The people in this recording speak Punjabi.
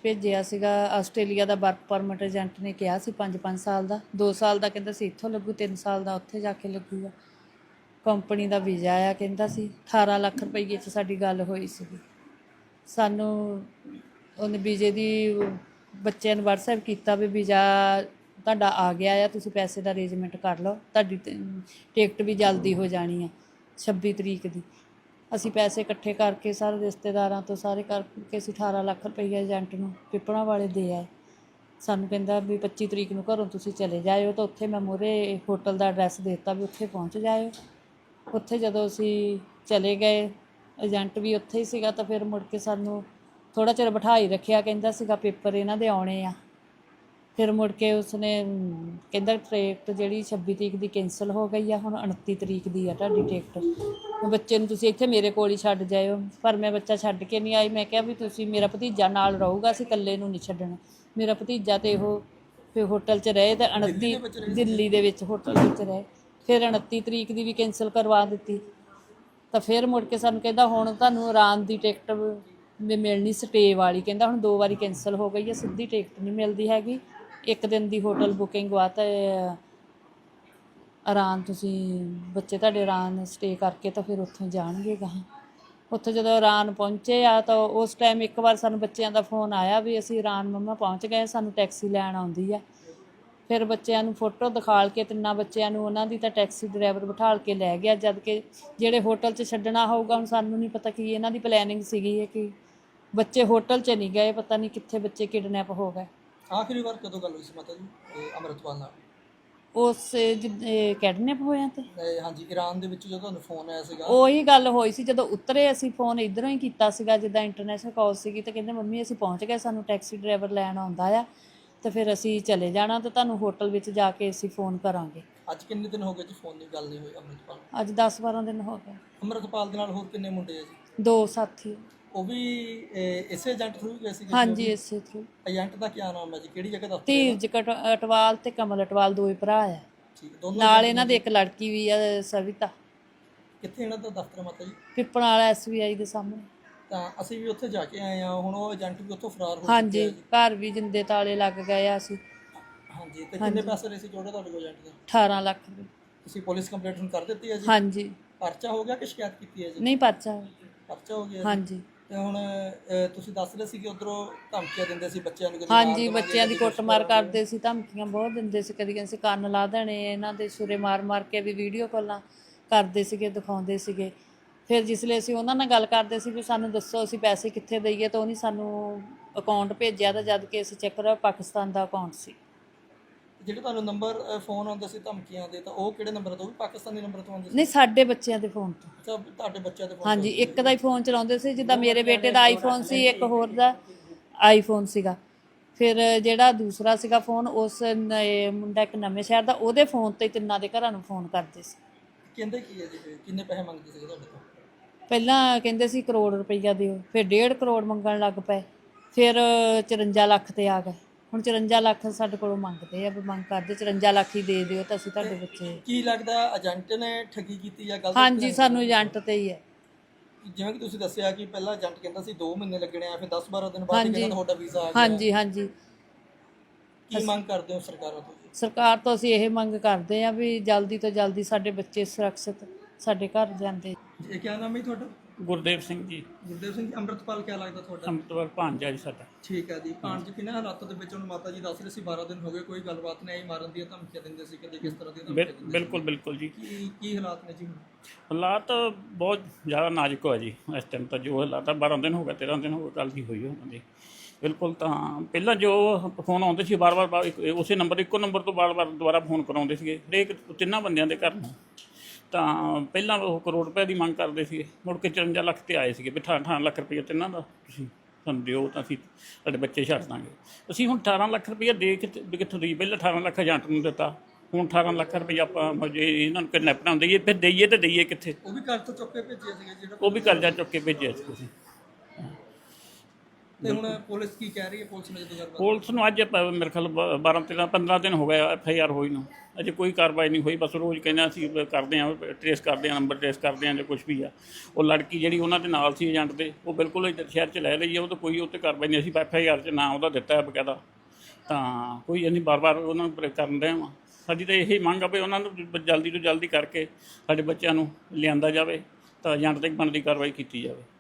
ਭੇਜਿਆ ਸੀਗਾ ਆਸਟ੍ਰੇਲੀਆ ਦਾ ਵਰਕ ਪਰਮਿਟ ਏਜੰਟ ਨੇ ਕਿਹਾ ਸੀ 5-5 ਸਾਲ ਦਾ, 2 ਸਾਲ ਦਾ ਕਹਿੰਦਾ ਸੀ ਇੱਥੋਂ ਲੱਗੂ, 3 ਸਾਲ ਦਾ ਉੱਥੇ ਜਾ ਕੇ ਲੱਗੂਗਾ। ਕੰਪਨੀ ਦਾ ਵੀਜ਼ਾ ਆ ਕਹਿੰਦਾ ਸੀ 18 ਲੱਖ ਰੁਪਈਏ 'ਚ ਸਾਡੀ ਗੱਲ ਹੋਈ ਸੀਗੀ। ਸਾਨੂੰ ਉਹਨੇ ਵੀਜ਼ੇ ਦੀ ਬੱਚਿਆਂ ਨੂੰ ਵਟਸਐਪ ਕੀਤਾ ਵੀ ਵੀਜ਼ਾ ਤੁਹਾਡਾ ਆ ਗਿਆ ਆ, ਤੁਸੀਂ ਪੈਸੇ ਦਾ ਅਰੇਂਜਮੈਂਟ ਕਰ ਲਓ, ਤੁਹਾਡੀ ਟਿਕਟ ਵੀ ਜਲਦੀ ਹੋ ਜਾਣੀ ਆ 26 ਤਰੀਕ ਦੀ। ਅਸੀਂ ਪੈਸੇ ਇਕੱਠੇ ਕਰਕੇ ਸਾਰੇ ਰਿਸ਼ਤੇਦਾਰਾਂ ਤੋਂ ਸਾਰੇ ਕਰਕੇ ਅਸੀਂ 18 ਲੱਖ ਰੁਪਈਆ ਏਜੰਟ ਨੂੰ ਪਿੱਪਲਾਂ ਵਾਲੇ ਦੇ ਆਏ। ਸਾਨੂੰ ਕਹਿੰਦਾ ਵੀ 25 ਤਰੀਕ ਨੂੰ ਘਰੋਂ ਤੁਸੀਂ ਚਲੇ ਜਾਇਓ, ਤਾਂ ਉੱਥੇ ਮੈਂ ਮੂਹਰੇ ਹੋਟਲ ਦਾ ਐਡਰੈਸ ਦੇ ਦਿੱਤਾ ਵੀ ਉੱਥੇ ਪਹੁੰਚ ਜਾਇਓ। ਉੱਥੇ ਜਦੋਂ ਅਸੀਂ ਚਲੇ ਗਏ ਏਜੰਟ ਵੀ ਉੱਥੇ ਹੀ ਸੀਗਾ, ਤਾਂ ਫਿਰ ਮੁੜ ਕੇ ਸਾਨੂੰ ਥੋੜ੍ਹਾ ਚਿਰ ਬਿਠਾ ਹੀ ਰੱਖਿਆ, ਕਹਿੰਦਾ ਸੀਗਾ ਪੇਪਰ ਇਹਨਾਂ ਦੇ ਆਉਣੇ ਆ। ਫਿਰ ਮੁੜ ਕੇ ਉਸਨੇ ਕਹਿੰਦਾ ਟਿਕਟ ਜਿਹੜੀ 26 ਤਰੀਕ ਦੀ ਕੈਂਸਲ ਹੋ ਗਈ ਆ, ਹੁਣ 29 ਤਰੀਕ ਦੀ ਆ ਤੁਹਾਡੀ ਟਿਕਟ, ਬੱਚੇ ਨੂੰ ਤੁਸੀਂ ਇੱਥੇ ਮੇਰੇ ਕੋਲ ਹੀ ਛੱਡ ਜਾਇਓ। ਪਰ ਮੈਂ ਬੱਚਾ ਛੱਡ ਕੇ ਨਹੀਂ ਆਈ। ਮੈਂ ਕਿਹਾ ਵੀ ਤੁਸੀਂ, ਮੇਰਾ ਭਤੀਜਾ ਨਾਲ ਰਹੂਗਾ, ਅਸੀਂ ਇਕੱਲੇ ਨੂੰ ਨਹੀਂ ਛੱਡਣਾ। ਮੇਰਾ ਭਤੀਜਾ ਤੇ ਉਹ ਫਿਰ ਹੋਟਲ 'ਚ ਰਹੇ, ਅਤੇ 29 ਦਿੱਲੀ ਦੇ ਵਿੱਚ ਹੋਟਲ ਵਿੱਚ ਰਹੇ। ਫਿਰ 29 ਤਰੀਕ ਦੀ ਵੀ ਕੈਂਸਲ ਕਰਵਾ ਦਿੱਤੀ। ਤਾਂ ਫਿਰ ਮੁੜ ਕੇ ਸਾਨੂੰ ਕਹਿੰਦਾ ਹੁਣ ਤੁਹਾਨੂੰ ਆਰਾਮ ਦੀ ਟਿਕਟ ਵੀ ਮਿਲਣੀ ਸਟੇ ਵਾਲੀ, ਕਹਿੰਦਾ ਹੁਣ 2 ਵਾਰੀ ਕੈਂਸਲ ਹੋ ਗਈ ਹੈ, ਸਿੱਧੀ ਟਿਕਟ ਨਹੀਂ ਮਿਲਦੀ ਹੈਗੀ। 1 ਦਿਨ ਦੀ ਹੋਟਲ ਬੁਕਿੰਗ ਵਾ, ਤਾਂ ਆਰਾਮ ਤੁਸੀਂ ਬੱਚੇ ਤੁਹਾਡੇ ਆਰਾਮ ਸਟੇ ਕਰਕੇ ਤਾਂ ਫਿਰ ਉੱਥੋਂ ਜਾਣਗੇ ਗਾਹਾਂ। ਉੱਥੇ ਜਦੋਂ ਇਰਾਨ ਪਹੁੰਚੇ ਆ ਤਾਂ ਉਸ ਟਾਈਮ ਇੱਕ ਵਾਰ ਸਾਨੂੰ ਬੱਚਿਆਂ ਦਾ ਫੋਨ ਆਇਆ ਵੀ ਅਸੀਂ ਇਰਾਨ ਮੰਮਾ ਪਹੁੰਚ ਗਏ, ਸਾਨੂੰ ਟੈਕਸੀ ਲੈਣ ਆਉਂਦੀ ਆ। ਫਿਰ ਬੱਚਿਆਂ ਨੂੰ ਫੋਟੋ ਦਿਖਾਲ ਕੇ 3 ਬੱਚਿਆਂ ਨੂੰ ਉਹਨਾਂ ਦੀ ਤਾਂ ਟੈਕਸੀ ਡਰਾਈਵਰ ਬਿਠਾਲ ਕੇ ਲੈ ਗਿਆ, ਜਦ ਕਿ ਜਿਹੜੇ ਹੋਟਲ 'ਚ ਛੱਡਣਾ ਹੋਊਗਾ, ਹੁਣ ਸਾਨੂੰ ਨਹੀਂ ਪਤਾ ਕੀ ਇਹਨਾਂ ਦੀ ਪਲੈਨਿੰਗ ਸੀਗੀ ਹੈ ਕਿ ਬੱਚੇ ਹੋਟਲ 'ਚ ਨਹੀਂ ਗਏ, ਪਤਾ ਨਹੀਂ ਕਿੱਥੇ ਬੱਚੇ ਕਿਡਨੈਪ ਹੋ ਗਏ। ਆਖਰੀ ਵਾਰ ਕਦੋਂ ਗੱਲ ਹੋਈ ਸੀ ਮਾਤਾ ਜੀ ਅੰਮ੍ਰਿਤਪਾਲ ਨਾਲ? ਉਸ ਕਿਡਨੈਪ ਹੋਇਆ ਤੇ ਹਾਂਜੀ, ਈਰਾਨ ਦੇ ਵਿੱਚ ਜਦੋਂ ਤੁਹਾਨੂੰ ਫੋਨ ਆਇਆ ਸੀਗਾ, ਉਹੀ ਗੱਲ ਹੋਈ ਸੀ। ਜਦੋਂ ਉਤਰੇ ਅਸੀਂ ਫੋਨ ਇੱਧਰੋਂ ਹੀ ਕੀਤਾ ਸੀਗਾ, ਜਿੱਦਾਂ ਇੰਟਰਨੈਸ਼ਨਲ ਕਾਲ ਸੀਗੀ, ਤਾਂ ਕਹਿੰਦੇ ਮੰਮੀ ਅਸੀਂ ਪਹੁੰਚ ਗਏ, ਸਾਨੂੰ ਟੈਕਸੀ ਡਰਾਈਵਰ ਲੈਣ ਆਉਂਦਾ ਆ, ਤਾਂ ਫਿਰ ਅਸੀਂ ਚਲੇ ਜਾਣਾ, ਤਾਂ ਤੁਹਾਨੂੰ ਹੋਟਲ ਵਿੱਚ ਜਾ ਕੇ ਅਸੀਂ ਫੋਨ ਕਰਾਂਗੇ। ਅੱਜ ਕਿੰਨੇ ਦਿਨ ਹੋ ਗਏ ਜੀ ਫੋਨ ਦੀ ਗੱਲ ਨਹੀਂ ਹੋਈ ਅੰਮ੍ਰਿਤਪਾਲ? ਅੱਜ 10-12 ਦਿਨ ਹੋ ਗਏ। ਅੰਮ੍ਰਿਤਪਾਲ ਦੇ ਨਾਲ ਹੋਰ ਕਿੰਨੇ ਮੁੰਡੇ ਆ ਜੀ? 2 ਸਾਥੀ। ਉਹ ਵੀ ਇਸੇ ਏਜੰਟ ਥਰੂ ਗਏ ਸੀ? ਹਾਂਜੀ, ਇਸੇ ਥਰੂ। ਏਜੰਟ ਦਾ ਕੀ ਨਾਮ ਹੈ ਜੀ, ਕਿਹੜੀ ਜਗ੍ਹਾ ਦਾ? ਧੀਰਜ ਅਟਵਾਲ ਤੇ ਕਮਲ ਅਟਵਾਲ 2 ਹੀ ਭਰਾ ਆ। ਠੀਕ, ਦੋਨੋਂ ਨਾਲ ਇਹਨਾਂ ਦੀ ਇੱਕ ਲੜਕੀ ਵੀ ਆ ਸਵਿਤਾ। ਕਿੱਥੇ ਇਹਨਾਂ ਦਾ ਦਫ਼ਤਰ ਮਾਤਾ ਜੀ? ਪਿੱਪਲ ਵਾਲਾ SBI ਦੇ ਸਾਹਮਣੇ। ਤਾਂ ਅਸੀਂ ਵੀ ਉੱਥੇ ਜਾ ਕੇ ਆਏ ਆ, ਹੁਣ ਉਹ ਏਜੰਟ ਵੀ ਉੱਥੋਂ ਫਰਾਰ ਹੋ ਹਾਂਜੀ, ਘਰ ਵੀ ਜਿੰਦੇ ਤਾਲੇ ਲੱਗ ਗਏ ਆ। ਅਸੀਂ ਹਾਂਜੀ, ਤੇ ਕਿੰਨੇ ਪੈਸੇ ਰਹੇ ਸੀ ਜੋੜੇ ਤੁਹਾਡੇ ਕੋਲ ਏਜੰਟ ਦਾ? 18 ਲੱਖ ਰੁਪਏ। ਤੁਸੀਂ ਪੁਲਿਸ ਕੰਪਲੇਂਟ ਹੁਣ ਕਰ ਦਿੱਤੀ ਹੈ ਜੀ? ਹਾਂਜੀ। ਪਰਚਾ ਹੋ ਗਿਆ ਕਿ ਸ਼ਿਕਾਇਤ ਕੀਤੀ ਹੈ ਜੀ? ਨਹੀਂ, ਪਰਚਾ ਹੋ ਗਿਆ। ਹਾਂਜੀ। ਤੇ ਹੁਣ ਤੁਸੀਂ ਦੱਸ ਰਹੇ ਸੀ ਕਿ ਉਧਰੋਂ ਧਮਕੀਆਂ ਦਿੰਦੇ ਸੀ ਬੱਚਿਆਂ ਨੂੰ? ਹਾਂਜੀ, ਬੱਚਿਆਂ ਦੀ ਕੁੱਟਮਾਰ ਕਰਦੇ ਸੀ, ਧਮਕੀਆਂ ਬਹੁਤ ਦਿੰਦੇ ਸੀ। ਕਦੀ ਕਹਿੰਦੇ ਸੀ ਕੰਨ ਲਾ ਦੇਣੇ, ਇਹਨਾਂ ਦੇ ਛੁਰੇ ਮਾਰ ਕੇ ਵੀ ਵੀਡੀਓ ਕਾਲਾਂ ਕਰਦੇ ਸੀਗੇ, ਦਿਖਾਉਂਦੇ ਸੀਗੇ। ਫਿਰ ਜਿਸ ਲਈ ਅਸੀਂ ਉਹਨਾਂ ਨਾਲ ਗੱਲ ਕਰਦੇ ਸੀ ਵੀ ਸਾਨੂੰ ਦੱਸੋ ਅਸੀਂ ਪੈਸੇ ਕਿੱਥੇ ਦਈਏ, ਤਾਂ ਉਹਨੇ ਸਾਨੂੰ ਅਕਾਊਂਟ ਭੇਜਿਆ, ਤਾਂ ਜਦ ਕਿ ਅਸੀਂ ਚੈੱਕ ਕਰਿਆ ਪਾਕਿਸਤਾਨ ਦਾ ਅਕਾਊਂਟ ਸੀ। ਜਿਹੜੇ ਤੁਹਾਨੂੰ ਨੰਬਰ ਫੋਨ ਆਉਂਦੇ ਸੀ ਧਮਕੀਆਂ ਦੇ, ਤਾਂ ਉਹ ਕਿਹੜੇ ਨੰਬਰ ਤੋਂ? ਉਹ ਵੀ ਪਾਕਿਸਤਾਨੀ ਨੰਬਰ ਤੋਂ ਆਉਂਦੇ ਸੀ? ਨਹੀਂ, ਸਾਡੇ ਬੱਚਿਆਂ ਦੇ ਫੋਨ ਤੋਂ। ਅੱਛਾ, ਤੁਹਾਡੇ ਬੱਚਿਆਂ ਦੇ ਫੋਨ? ਹਾਂਜੀ, ਇੱਕ ਦਾ ਹੀ ਫੋਨ ਚਲਾਉਂਦੇ ਸੀ, ਜਿੱਦਾਂ ਮੇਰੇ ਬੇਟੇ ਦਾ ਆਈਫੋਨ ਸੀ, ਇੱਕ ਹੋਰ ਦਾ ਆਈਫੋਨ ਸੀਗਾ। ਫਿਰ ਜਿਹੜਾ ਦੂਸਰਾ ਸੀਗਾ ਫੋਨ, ਉਸ ਮੁੰਡਾ ਇੱਕ ਨਵੇਂ ਸ਼ਹਿਰ ਦਾ, ਉਹਦੇ ਫੋਨ 'ਤੇ 3 ਦੇ ਘਰਾਂ ਨੂੰ ਫੋਨ ਕਰਦੇ ਸੀ। ਕਹਿੰਦੇ ਕੀ ਹੈ ਜੀ, ਕਿੰਨੇ ਪੈਸੇ ਮੰਗਦੇ ਸੀ ਤੁਹਾਡੇ ਤੋਂ? ਪਹਿਲਾਂ ਕਹਿੰਦੇ ਸੀ 1 ਕਰੋੜ ਰੁਪਈਆ ਦਿਓ, ਫਿਰ 1.5 ਕਰੋੜ ਮੰਗਣ ਲੱਗ ਪਏ, ਫਿਰ 54 ਲੱਖ 'ਤੇ ਆ ਗਏ। ਹੁਣ 54 ਲੱਖ ਸਾਡੇ ਕੋਲੋਂ ਮੰਗਦੇ ਆ, ਵੀ ਮੰਗ ਕਰਦੇ 54 ਲੱਖ ਹੀ ਦੇ ਦਿਓ ਤਾਂ ਅਸੀਂ ਤੁਹਾਡੇ ਬੱਚੇ। ਕੀ ਲੱਗਦਾ ਏਜੰਟ ਨੇ ਠੱਗੀ ਕੀਤੀ ਜਾਂ ਗਲਤ? ਹਾਂਜੀ, ਸਾਨੂੰ ਏਜੰਟ 'ਤੇ ਹੀ ਹੈ। ਜਿਵੇਂ ਕਿ ਤੁਸੀਂ ਦੱਸਿਆ ਕਿ ਪਹਿਲਾਂ ਏਜੰਟ ਕਹਿੰਦਾ ਸੀ 2 ਮਹੀਨੇ ਲੱਗਣੇ ਆ, ਫਿਰ 10-12 ਦਿਨ ਬਾਅਦ ਕਹਿੰਦਾ ਤੁਹਾਡਾ ਵੀਜ਼ਾ ਆ ਗਿਆ। ਹਾਂਜੀ ਹਾਂਜੀ। ਕੀ ਮੰਗ ਕਰਦੇ ਹੋ ਸਰਕਾਰਾਂ ਤੋਂ? ਸਰਕਾਰ ਤੋਂ ਅਸੀਂ ਇਹ ਮੰਗ ਕਰਦੇ ਆ ਵੀ ਜਲਦੀ ਤੋਂ ਜਲਦੀ ਸਾਡੇ ਬੱਚੇ ਸੁਰੱਖਿਅਤ ਸਾਡੇ ਘਰ ਜਾਂਦੇ। ਇਹ ਕੀ ਨਾਮ ਹੈ ਤੁਹਾਡਾ? ਗੁਰਦੇਵ ਸਿੰਘ ਜੀ। ਗੁਰਦੇਵ ਸਿੰਘ। ਅੰਮ੍ਰਿਤਪਾਲ ਕਿਆ ਲੱਗਦਾ ਤੁਹਾਡਾ? ਅੰਮ੍ਰਿਤਪਾਲ ਭਾਂਜਾ ਜੀ ਸਾਡਾ। ਠੀਕ ਹੈ ਜੀ। ਭਾਂਜ ਕਿਹਨਾਂ ਹਾਲਾਤਾਂ ਦੇ ਵਿੱਚ? ਹੁਣ ਮਾਤਾ ਜੀ ਦੱਸ ਰਹੇ ਸੀ 12 ਦਿਨ ਹੋ ਗਏ, ਕੋਈ ਗੱਲਬਾਤ ਨਹੀਂ ਆਈ, ਮਾਰਨ ਦੀਆਂ ਧਮਕੀਆਂ ਦਿੰਦੇ ਸੀ, ਕਦੇ ਕਿਸ ਤਰ੍ਹਾਂ ਦੀਆਂ ਧਮਕੀਆਂ ਦਿੰਦੇ ਸੀ? ਬਿਲਕੁਲ ਜੀ। ਕੀ ਹਾਲਾਤ ਨੇ ਜੀ? ਹਾਲਾਤ ਬਹੁਤ ਜ਼ਿਆਦਾ ਨਾਜ਼ੁਕ ਹੋਇਆ ਜੀ ਇਸ ਟਾਈਮ। ਤਾਂ ਜੋ ਹਾਲਾਤ 12 ਦਿਨ ਹੋ ਗਏ, 13 ਦਿਨ ਹੋ ਗਏ ਗੱਲ ਦੀ ਹੋਈ ਉਹਨਾਂ ਦੀ। ਬਿਲਕੁਲ। ਤਾਂ ਪਹਿਲਾਂ ਜੋ ਫੋਨ ਆਉਂਦੇ ਸੀ ਵਾਰ-ਵਾਰ ਉਸੇ ਨੰਬਰ, ਇੱਕੋ ਨੰਬਰ ਤੋਂ ਵਾਰ-ਵਾਰ ਦੁਬਾਰਾ ਫੋਨ ਕਰਾਉਂਦੇ ਸੀਗੇ ਹਰੇਕ 3 ਬੰਦਿਆਂ ਦੇ ਘਰ ਨੂੰ। ਤਾਂ ਪਹਿਲਾਂ ਉਹ ਕਰੋੜ ਰੁਪਏ ਦੀ ਮੰਗ ਕਰਦੇ ਸੀਗੇ, ਮੁੜ ਕੇ 54 ਲੱਖ 'ਤੇ ਆਏ ਸੀਗੇ ਵੀ 18 ਲੱਖ ਰੁਪਈਆ 3 ਦਾ ਤੁਸੀਂ ਸਾਨੂੰ ਦਿਓ, ਤਾਂ ਅਸੀਂ ਤੁਹਾਡੇ ਬੱਚੇ ਛੱਡ ਦਾਂਗੇ। ਅਸੀਂ ਹੁਣ 18 ਲੱਖ ਰੁਪਈਆ ਦੇ ਕਿੱਥੋਂ ਦਈਏ? ਪਹਿਲਾਂ 18 ਲੱਖ ਏਜੰਟ ਨੂੰ ਦਿੱਤਾ, ਹੁਣ 18 ਲੱਖ ਰੁਪਈਆ ਆਪਾਂ ਜੇ ਇਹਨਾਂ ਨੂੰ ਕਿਡਨੈਪਰਾਂ ਨੂੰ ਦਈਏ, ਫਿਰ ਦਈਏ ਤਾਂ ਦਈਏ ਕਿੱਥੇ? ਉਹ ਵੀ ਕਰਜ਼ਾ ਚੁੱਕ ਕੇ ਭੇਜਿਆ ਸੀਗਾ ਜਿਹੜਾ? ਉਹ ਵੀ ਕਰਜ਼ਾ ਚੁੱਕ ਕੇ ਭੇਜਿਆ ਸੀ ਤੁਸੀਂ। ਤੇ ਹੁਣ ਪੁਲਿਸ ਕੀ ਕਹਿ ਰਹੀ ਹੈ? ਪੁਲਿਸ ਨੇ ਜਦੋਂ ਗੱਲਬਾਤ ਪੁਲਿਸ ਨੂੰ ਅੱਜ ਮੇਰੇ ਖਿਆਲ 12 13 15 ਦਿਨ ਹੋ ਗਏ FIR ਹੋਈ ਨੂੰ, ਅਜੇ ਕੋਈ ਕਾਰਵਾਈ ਨਹੀਂ ਹੋਈ। ਬਸ ਰੋਜ਼ ਕਹਿੰਦੇ ਅਸੀਂ ਕਰਦੇ ਹਾਂ, ਟਰੇਸ ਕਰਦੇ ਹਾਂ, ਨੰਬਰ ਟਰੇਸ ਕਰਦੇ ਹਾਂ ਜਾਂ ਕੁਝ ਵੀ ਆ। ਉਹ ਲੜਕੀ ਜਿਹੜੀ ਉਹਨਾਂ ਦੇ ਨਾਲ ਸੀ ਏਜੰਟ ਦੇ, ਉਹ ਬਿਲਕੁਲ ਇੱਧਰ ਸ਼ਹਿਰ 'ਚ ਲੈ ਲਈ ਆ, ਉਹ ਤਾਂ ਕੋਈ ਉੱਤੇ ਕਾਰਵਾਈ ਨਹੀਂ। ਅਸੀਂ FIR 'ਚ ਨਾਂ ਉਹਦਾ ਦਿੱਤਾ ਹੈ ਬਕਾਇਦਾ, ਤਾਂ ਕੋਈ ਅਸੀਂ ਬਾਰ-ਬਾਰ ਉਹਨਾਂ ਨੂੰ ਕਰਨ ਰਹੇ ਹਾਂ। ਸਾਡੀ ਤਾਂ ਇਹੀ ਮੰਗ ਆ ਵੀ ਉਹਨਾਂ ਨੂੰ ਜਲਦੀ ਤੋਂ ਜਲਦੀ ਕਰਕੇ ਸਾਡੇ ਬੱਚਿਆਂ ਨੂੰ ਲਿਆਂਦਾ ਜਾਵੇ, ਤਾਂ ਏਜੰਟ 'ਤੇ ਬਣਦੀ ਕਾਰਵਾਈ ਕੀਤੀ ਜਾਵੇ।